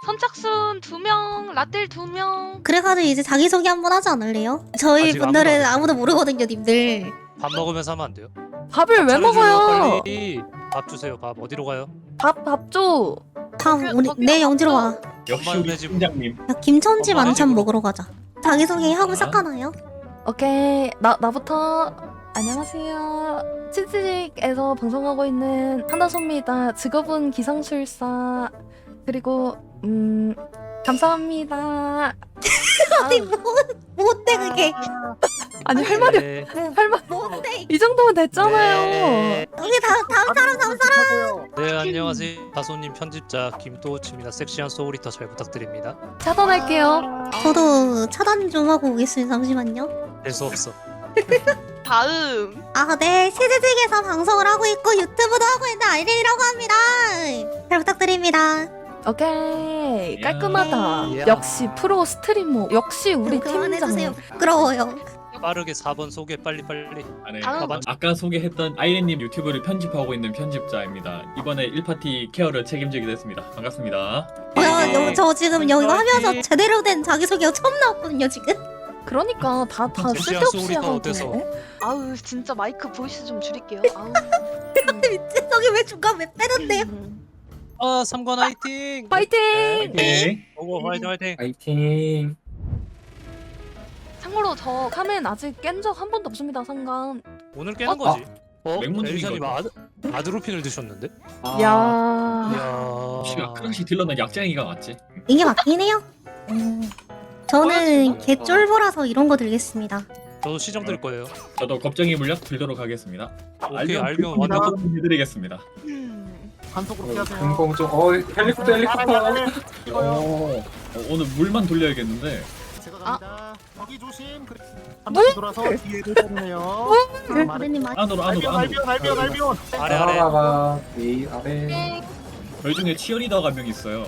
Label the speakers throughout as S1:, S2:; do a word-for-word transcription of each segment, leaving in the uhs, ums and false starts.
S1: 선착순 두 명, 라떼 두 명.
S2: 그래가지고 이제 자기소개 한번 하지 않을래요? 저희
S3: 아직
S2: 분들은
S3: 아무도 안
S2: 아무도 모르거든요, 님들.
S3: 밥 먹으면서 하면 안 돼요?
S4: 밥을 왜
S3: 차려줘요,
S4: 먹어요?
S3: 빨리. 밥 주세요. 밥 어디로 가요?
S4: 밥, 밥 줘.
S2: 다음
S1: 거기-
S2: 우리
S1: 거기
S2: 내 영지로 와.
S5: 역시
S3: 엄마네
S5: 우리
S3: 집.
S5: 팀장님.
S2: 야, 김천지
S3: 엄마네
S2: 만찬
S3: 집으로.
S2: 먹으러 가자. 자기소개 하고
S5: 아.
S2: 시작하나요?
S4: 오케이. 나, 나부터. 안녕하세요. 치즈직에서 방송하고 있는 한다솜입니다. 직업은 기상술사. 그리고, 음, 감사합니다.
S2: 아니 뭐 뭔데 그게?
S4: 아니, 할 말이,
S3: 네.
S4: 할 말,
S2: 뭔데?
S4: 이 정도면 됐잖아요.
S3: 네.
S2: 여기 다음 다음 사람 다음 사람.
S3: 네, 안녕하세요. 다소님 편집자 김도우치입니다. 섹시한 소울리터 잘 부탁드립니다.
S4: 차단할게요.
S2: 저도 차단 좀 하고 오겠습니다. 잠시만요.
S3: 될 수 없어.
S1: 다음.
S2: 아, 네. 치즈직에서 방송을 하고 있고 유튜브도 하고 있는 아이린이라고 합니다. 잘 부탁드립니다.
S4: 오케이.
S5: 이야.
S4: 깔끔하다.
S3: 이야.
S4: 역시 프로 스트리머. 역시 우리
S2: 그만해주세요.
S4: 팀장.
S2: 부끄러워요.
S3: 빠르게 사 번 소개 빨리빨리.
S5: 아, 네.
S1: 다음.
S5: 아까 소개했던 아이렌님 유튜브를 편집하고 있는 편집자입니다. 이번에 일 파티 케어를 책임지게 됐습니다. 반갑습니다.
S2: 뭐야,
S3: 네.
S2: 여, 저 지금 여기
S3: 화이팅.
S2: 하면서 제대로 된 자기소개가 처음 나왔거든요, 지금.
S4: 그러니까 다, 다
S3: 섹시한
S4: 쓸데없이
S3: 소울이 더
S4: 하고.
S3: 어때서?
S1: 아우 진짜 마이크 보이스 좀 줄일게요. 아우.
S2: 미친, 저기 왜 중간 왜 빼는데요?
S1: 음.
S3: 아, 삼관 화이팅!
S4: 파이팅!
S5: 네.
S3: 오고 화이팅 화이팅!
S5: 파이팅.
S1: 참고로 저
S4: 카멘 아직 깬 적 한 번도 없습니다, 상관.
S3: 오늘 깨는 거지. 어?
S5: 맹문
S3: 엘리샤님
S5: 중인
S3: 아드, 아드로핀을 드셨는데?
S5: 아.
S4: 야.
S3: 이야.
S5: 혹시 크랑시 딜러는 약쟁이가 맞지?
S2: 이게 맞긴 해요. 음, 저는 개쫄보라서 이런 거 들겠습니다.
S3: 저도 시정 들 거예요.
S5: 저도 겁쟁이 물약 들도록 하겠습니다.
S3: 오케이, 알면 완전
S5: 완전 해드리겠습니다.
S1: 음.
S6: 단속으로 피하세요.
S7: 금공중 어 헬리콥터 헬리콥터
S5: 어, 어, 오늘 물만 돌려야겠는데.
S6: 제가
S1: 아.
S6: 갑니다. 거기 조심. 그래. 한 바퀴 돌아서 뒤에를 때리네요.
S2: 선생님 많이
S5: 안으로 안으로
S6: 알비온
S5: 안으로.
S6: 알비온 알비온 알비온.
S3: 아래 아래.
S7: 따라가봐 위 아래
S5: 저희 중에 치어리더가 한 명 있어요.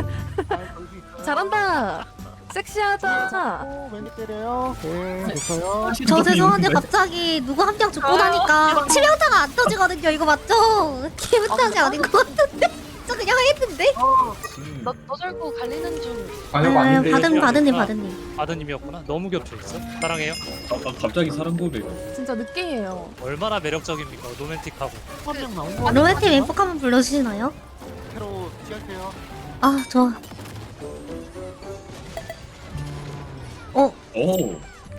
S4: 잘한다. 섹시하다.
S6: 오, 왼쪽 때려요. 네, 됐어요.
S2: 저 죄송한데 갑자기 누구 한 명 죽고 나니까 치명타가 안 터지거든요. 이거 맞죠? 기분탓이 아닌 것 같은데? 저 그냥 했는데?
S5: 음.
S1: 너, 너 절고 갈리는 중.
S7: 관역
S2: 아,
S7: 아닌데
S2: 받은 받은님 받은님.
S3: 아드님이었구나. 너무 겹쳐 있어. 사랑해요.
S5: 아, 아, 갑자기 사람 고백.
S4: 진짜 늦게예요.
S3: 얼마나 매력적입니까? 로맨틱하고.
S6: 한명 나온 거.
S2: 로맨틱 왼폭 한번 불러주시나요?
S6: 새로 피할게요.
S2: 아 좋아. 어
S5: 오.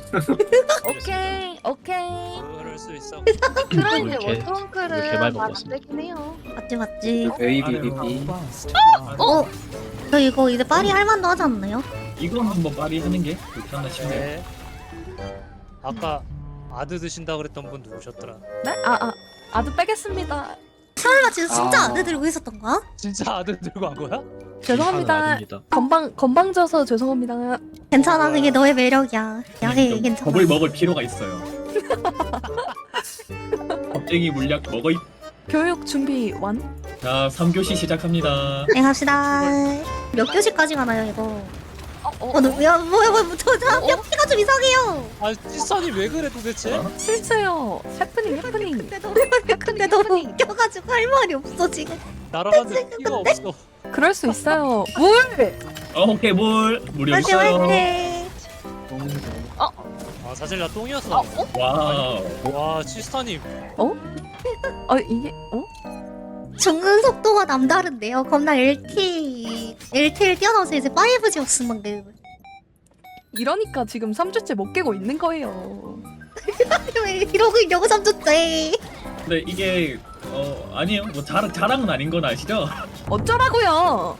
S4: 오케이, 오케이.
S3: 그럴 수 있어.
S1: 크라이드
S8: 이렇게-
S1: 워터원크를
S8: 이렇게 많이
S1: 말
S8: 먹었어.
S1: 안 되긴 해요.
S2: 맞지 맞지.
S7: 베이비 비비
S2: 어? 저 이거 이제 파리 할 만도 하지 않나요?
S5: 이건 한번 빨리 하는 게 좋지 않나 싶네요.
S3: 네. 아까 아드 드신다 그랬던 분 누구셨더라?
S4: 네? 아, 아. 아드 빼겠습니다.
S2: 설마 진짜 진짜
S7: 아.
S2: 안에 들고 있었던 거야?
S3: 진짜 아드 들고 간 거야?
S4: 죄송합니다.
S8: 아닙니다.
S4: 건방, 건방져서 죄송합니다.
S2: 괜찮아, 그게 너의 매력이야. 야해
S5: 좀
S2: 괜찮아.
S5: 겁을 먹을 필요가 있어요. 겁쟁이 물약 먹어.
S4: 교육 준비 완?
S5: 자, 삼 교시 시작합니다.
S2: 네 갑시다. 몇 교시까지 가나요 이거?
S1: 어, 어,
S2: 어, 너, 야 뭐야 뭐야 저저 피가 좀 이상해요.
S3: 아, 찌선이 왜 그래 도대체?
S5: 어?
S4: 실수요. 해프닝, 해프닝.
S2: 근데 너무 근데 너무 웃겨가지고 할 말이 없어 지금.
S3: 날아가는데 피가 없어.
S4: 그럴 수 있어요. 물!
S5: 어, 오케이, 물. 물이
S2: 화이팅
S5: 없어요.
S2: 화이팅.
S3: 아, 사실 나 똥이었어.
S5: 와우.
S3: 와, 시스타님.
S4: 어, 이게, 어?
S2: 죽는 속도가 남다른데요. 겁나 엘티 엘티를 뛰어넘어서 이제 파이브 지 없음 방금.
S4: 이러니까 지금 삼 주째 못 깨고 있는 거예요.
S2: 왜 이러고 있냐고 삼촌째.
S5: 근데 이게 어 아니에요. 뭐 자랑 자랑은 아닌 건 아시죠?
S4: 어쩌라고요?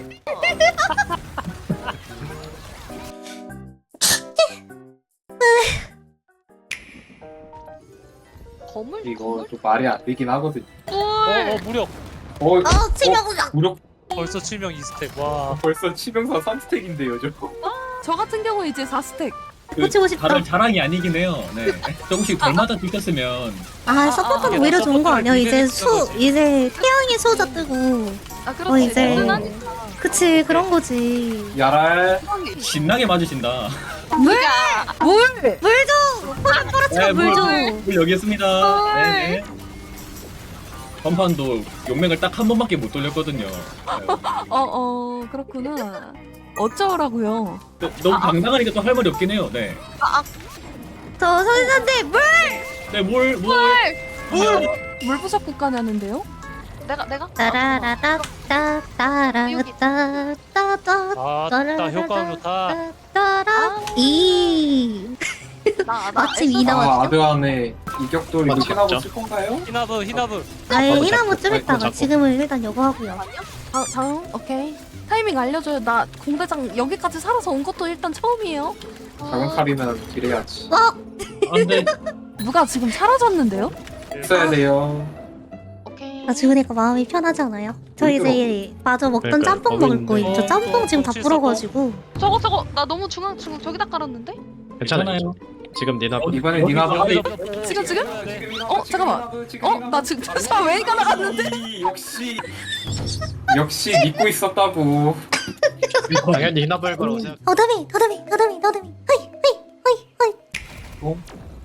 S1: 거물?
S7: 이거 좀 말이 안 되긴 하거든
S3: 어, 어,
S1: 물.
S3: 무력.
S7: 어
S2: 아 치명이야.
S7: 무력
S3: 벌써 칠명 이 스택. 와.
S7: 벌써 치명사 삼 스택인데요 저
S4: 저 같은 경우 이제 사 스택.
S5: 그
S2: 고치고 싶다.
S5: 다들 자랑이 아니긴 해요. 네. 조금씩 덜마다 드셨으면
S2: 아 서포터는
S3: 아,
S2: 오히려 좋은 거
S3: 서포터를
S2: 아니야? 이제
S3: 미래를
S2: 수
S3: 거지.
S2: 이제 태양의 수호자 뜨고.
S1: 아
S2: 어
S1: 그렇지.
S2: 이제
S1: 든든하니까.
S2: 그치 그런 거지.
S7: 야랄
S5: 신나게 맞으신다.
S2: 물!
S4: 물!
S2: 물 줘! 포장
S5: 네,
S2: 떨어치면 물 줘.
S5: 물 여기 있습니다. 네, 네. 전판도 용맹을 딱 한 번밖에 못 돌렸거든요. 네.
S4: 어어 그렇구나. 어쩌라고요?
S5: 또 너무 당당하니까 또 할 말이 없긴 해요. 네.
S2: 저 선생님 물!
S5: 네, 뭘, 뭘. 뭘.
S4: 물부석 국가냐는데요?
S1: 내가 내가
S2: 따라라따 따라따따따따
S3: 아따 효과음 좋다.
S2: 따라 이
S1: 나, 나
S2: 마침 이
S1: 애써-
S2: 나왔죠?
S7: 아 아드안에 이격돌이
S8: 맞죠,
S7: 루틴하고
S8: 맞죠.
S7: 쓸 건가요?
S3: 히나브 히나브.
S2: 아예
S7: 맞아,
S2: 히나무
S7: 잡고,
S2: 좀
S7: 맞아,
S2: 있다가
S8: 잡고.
S2: 지금은 일단 요거 하고요.
S4: 다, 다음 오케이. 타이밍 알려줘요. 나 공대장 여기까지 살아서 온 것도 일단 처음이에요.
S7: 작은 칼이면 딜해야지.
S2: 어?
S5: 안 돼.
S4: 누가 지금 사라졌는데요?
S7: 써야 돼요.
S1: 오케이.
S2: 나 죽으니까 마음이 편하지 않아요? 저 이제 마저 먹던
S8: 그러니까요.
S2: 짬뽕 먹을
S8: 거기
S2: 거예요. 저
S3: 있는데.
S2: 짬뽕 지금 다
S3: 어,
S2: 불어가지고.
S1: 저거 저거 나 너무 중앙 중앙 저기다 깔았는데?
S8: 괜찮아요. 지금 니나
S5: 어,
S7: 이번에
S5: 여기,
S7: 니나브.
S5: 여기.
S4: 지금 지금?
S5: 네.
S4: 어, 잠깐만. 어? 나 지금 사 웨이가 나갔는데?
S7: 역시 역시 믿고 있었다고.
S8: 당연히 히나볼 거라고 생각.
S2: 어둠이, 어둠이, 어둠이, 어둠이. 허이, 허이, 허이, 허이.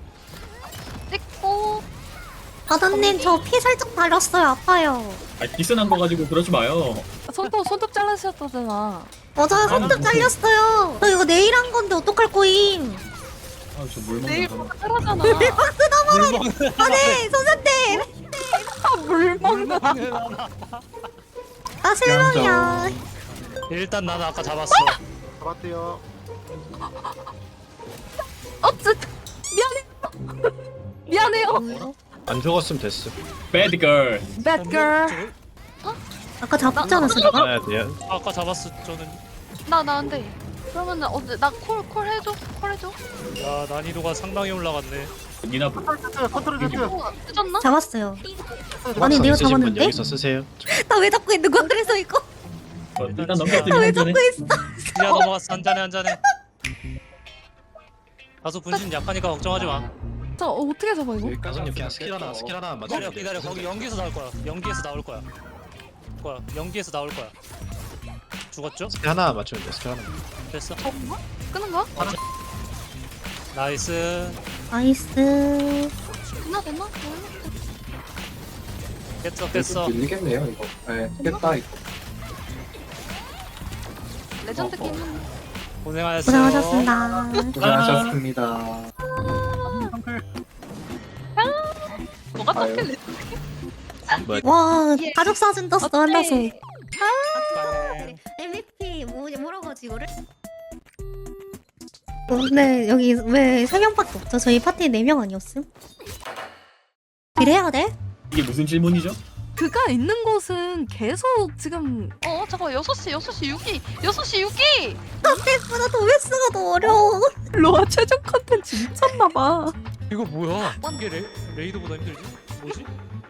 S1: 찍고
S2: 아드님 저 피 살짝 달렸어요. 아파요.
S5: 아, 디스난 거 가지고 그러지 마요.
S4: 손톱 손톱 잘라주셨다잖아.
S2: 맞아요. 손톱 잘렸어요. 저 이거 내일 한 건데 어떡할 거임?
S5: 아, 저 물
S1: 내일
S5: 먹는 거.
S1: 하라잖아.
S2: 아네 선생님.
S4: 물 먹나?
S2: 나 실명이야.
S3: 일단 나는 아까 잡았어.
S6: 잡았대요.
S4: 어쨌 미안해. 미안해요.
S8: 안 죽었으면 됐어.
S5: Bad girl.
S4: Bad girl.
S2: 아까 잡지 않았어 내가?
S8: 가야 돼요.
S3: 아까 잡았어 저는.
S1: 나 나 안 돼. 그러면은 어제 나콜 콜 해줘. 콜 해줘.
S3: 야 난이도가 상당히 올라갔네.
S5: 니나브.
S6: 컨트롤 Z.
S1: 어, 늦었나?
S2: 잡았어요. 아니 내가
S8: 있으신 분
S2: 잡았는데?
S8: 여기서 쓰세요.
S2: 나 왜 잡고 있는 거야? 그래서 이거
S5: 어, 일단
S2: 나
S5: 넘겼으면
S2: 왜
S5: 한
S2: 잡고
S5: 잔에.
S2: 있어?
S3: 야 넘어갔어 한 잔에 한 잔에. 다소 분신 약하니까 걱정하지 마.
S4: 저 어, 어떻게 잡아 이거?
S8: 가수님 그냥 스킬 하나 스킬 하나 맞춰.
S3: 기다려 기다려 거기 연기에서 나올 거야. 연기에서 나올 거야. 거야 연기에서 나올 거야. 죽었죠?
S8: 스킬 하나 맞추면 돼. 스킬 하나.
S3: 됐어.
S1: 저건가? 끄는 거야?
S3: 나이스.
S2: 나이스.
S1: 됐나 됐나?
S3: 깼어 깼어.
S7: 밀리겠네요 이거. 네, 깼다 이거.
S1: 레전드
S7: 어, 어.
S1: 게임.
S3: 고생하셨어요.
S2: 고생하셨습니다.
S7: 고생하셨습니다.
S1: 뭐가
S7: 아유.
S1: 떡길래?
S2: 와
S1: 예.
S2: 가족 사진 떴어 한다서.
S3: 네.
S2: 엠브이피 뭐 뭐라고 하지 이거를? 근데 여기 왜 세 명밖에 없죠? 저희 파티에 네 명 아니었음? 이래야 돼?
S5: 이게 무슨 질문이죠?
S4: 그가 있는 곳은 계속 지금
S1: 어 잠깐 여섯 시 여섯 시 육 위 여섯 시 육 위.
S2: 나보다 도메스가 더 어려워.
S4: 로아 최종 컨텐츠 미쳤나봐.
S3: 이거 뭐야? 이게 레, 레이드보다 힘들지? 뭐지?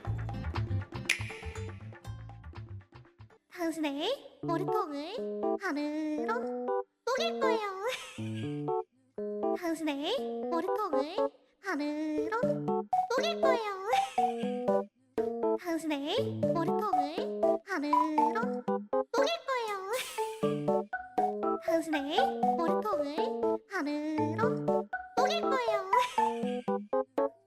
S2: 당신의 머리통을 하늘로 쏘길 거예요. 당신의 머리통을 하늘로 쏘길 거예요. 당신의 머리통을 하늘로 쏘길 거예요. 당신의 머리통을 하늘로